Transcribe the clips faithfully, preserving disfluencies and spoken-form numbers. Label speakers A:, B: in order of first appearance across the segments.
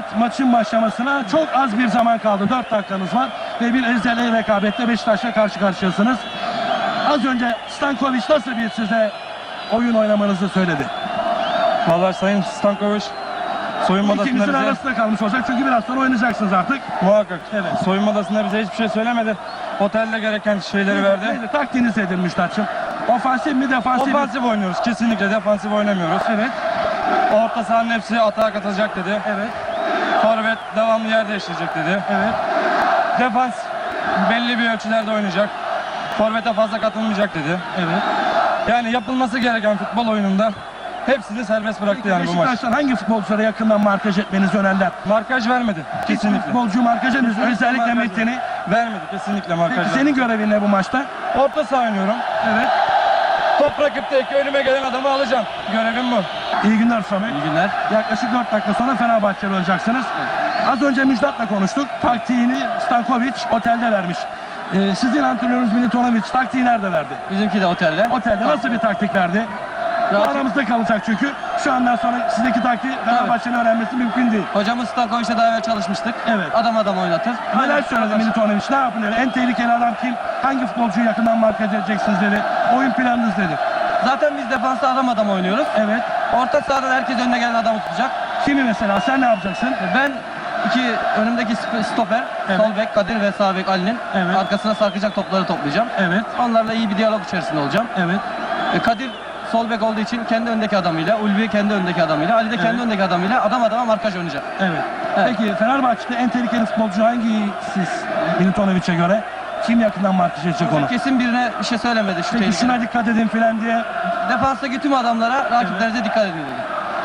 A: maçın başlamasına çok az bir zaman kaldı. dört dakikanız var ve bir ezeli rekabette Beşiktaş'la karşı karşıyasınız. Az önce Stankovic nasıl bir size oyun oynamanızı söyledi?
B: Vallahi Sayın Stankovic soyunma odasında
A: İkinizin
B: bize
A: arasında kalmış olacak çünkü biraz sonra oynayacaksınız artık.
B: muhakkak
A: Evet.
B: soyunma odasında bize hiçbir şey söylemedi. Otelde gereken şeyleri verdi.
A: Neydi? Taktiğiniz nedir Müştaç'ım? Ofansif mi defansif mi?
B: Ofansif oynuyoruz. Kesinlikle defansif oynamıyoruz.
A: Evet.
B: Orta sahanın hepsi atağa katılacak dedi.
A: Evet.
B: Forvet devamlı yer değiştirecek dedi.
A: Evet.
B: Defans belli bir ölçülerde oynayacak. Forvet'e fazla katılmayacak dedi.
A: Evet.
B: Yani yapılması gereken futbol oyununda hepsini serbest bıraktı yani bu maç.
A: Beşiktaş'tan hangi futbolculara yakından markaj etmenizi önerler?
B: Markaj vermedi.
A: Hiçbir
B: Kesinlikle.
A: futbolcu markaj etmenizi, özellikle
B: markaj
A: Metin'i.
B: Vermedi. Kesinlikle markaj
A: Peki
B: vermedi.
A: senin görevin ne bu maçta?
B: Orta saha oynuyorum.
A: Evet.
B: Top rakipteki önüme gelen adamı alacağım. Görevim bu.
A: İyi günler Samet.
B: İyi günler.
A: Yaklaşık dört dakika sonra Fenerbahçeli olacaksınız. Az önce Müjdat'la konuştuk. Taktiğini Stankovic otelde vermiş. Ee, sizin antrenörünüz Militonovic taktiği nerede verdi?
C: Bizimki de otelde.
A: Otelde nasıl bir taktik verdi? Bu
C: Rakip-
A: aramızda kalacak çünkü. Şu andan sonra sizdeki taktiği Fenerbahçe'nin öğrenmesi mümkün değil.
C: Hocamız Stankovic'le daha evvel çalışmıştık.
A: Evet.
C: Adam adam oynatır.
A: Neler söyledi Militonovic? Ne yapılıyor? En tehlikeli adam kim? Hangi futbolcuyu yakından markaj edeceksiniz dedi. Oyun planınız dedi.
C: Zaten biz defansta adam adam oynuyoruz.
A: Evet.
C: Orta sahadan herkes önüne gelen adamı tutacak.
A: Kimi mesela? Sen ne yapacaksın?
C: Ben iki önümdeki sp- stoper,
A: Evet.
C: sol bek Kadir ve sağ bek Ali'nin
A: Evet.
C: arkasına sarkacak topları toplayacağım.
A: Evet.
C: Onlarla iyi bir diyalog içerisinde olacağım.
A: Evet.
C: E, Kadir sol bek olduğu için kendi öndeki adamıyla, Ulvi kendi öndeki adamıyla, Ali de kendi
A: Evet.
C: öndeki adamıyla adam adama markaj oynayacak.
A: Evet.
C: Evet.
A: Peki Fenerbahçe'de en tehlikeli futbolcu hangi siz Militonovic'e göre? Kim yakından markaj edecek onu?
C: Kesin birine bir şey söylemedi şu
A: Peki
C: tehlikeli.
A: şuna dikkat edin filan diye.
C: Defanstaki tüm adamlara rakiplerinize dikkat edin dedi.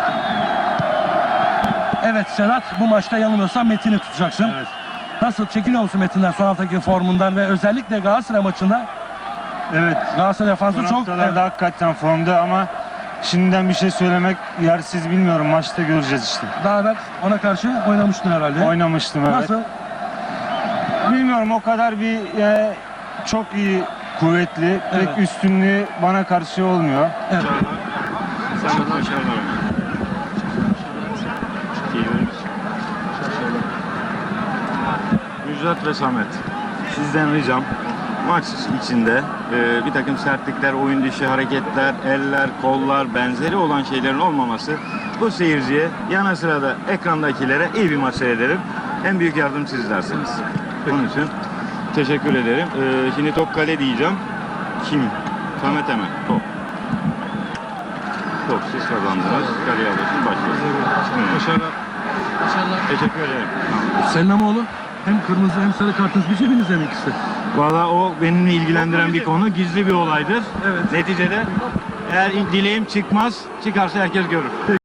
A: Evet Sedat, bu maçta yanılmıyorsam Metin'i tutacaksın.
D: Evet.
A: Nasıl? Çekiniyor musun Metin'den son haftaki formundan ve özellikle Galatasaray maçında
D: Evet.
A: Galatasaray defansı
D: Son
A: çok...
D: haftalarda hakikaten formda ama şimdiden bir şey söylemek yersiz, bilmiyorum. Maçta göreceğiz işte.
A: Daha evvel ona karşı oynamıştın herhalde.
D: Oynamıştım, evet.
A: Nasıl?
D: Bilmiyorum, o kadar bir e, çok iyi, kuvvetli, pek
A: Evet.
D: üstünlüğü bana karşı olmuyor.
A: Evet.
E: Müjdat ve Samet, sizden ricam maç içinde e, bir takım sertlikler, oyun dışı hareketler, eller, kollar, benzeri olan şeylerin olmaması bu seyirciye, yana sırada ekrandakilere iyi bir maç seyrederim. En büyük yardım sizlersiniz. Bunun için teşekkür ederim. E, şimdi top kale diyeceğim. Kim? Samet'e mi? Top. Top siz kazandınız. Kaleye alıyorsun, başlıyorsun.
B: Başarılar.
E: Teşekkür ederim.
A: Senin ama oğlum hem kırmızı hem sarı kartınız bir cebinizde mi ikisi?
E: Valla o benimle ilgilendiren bir konu. Gizli bir olaydır.
A: Evet.
E: Neticede eğer dileğim çıkmaz, çıkarsa herkes görür.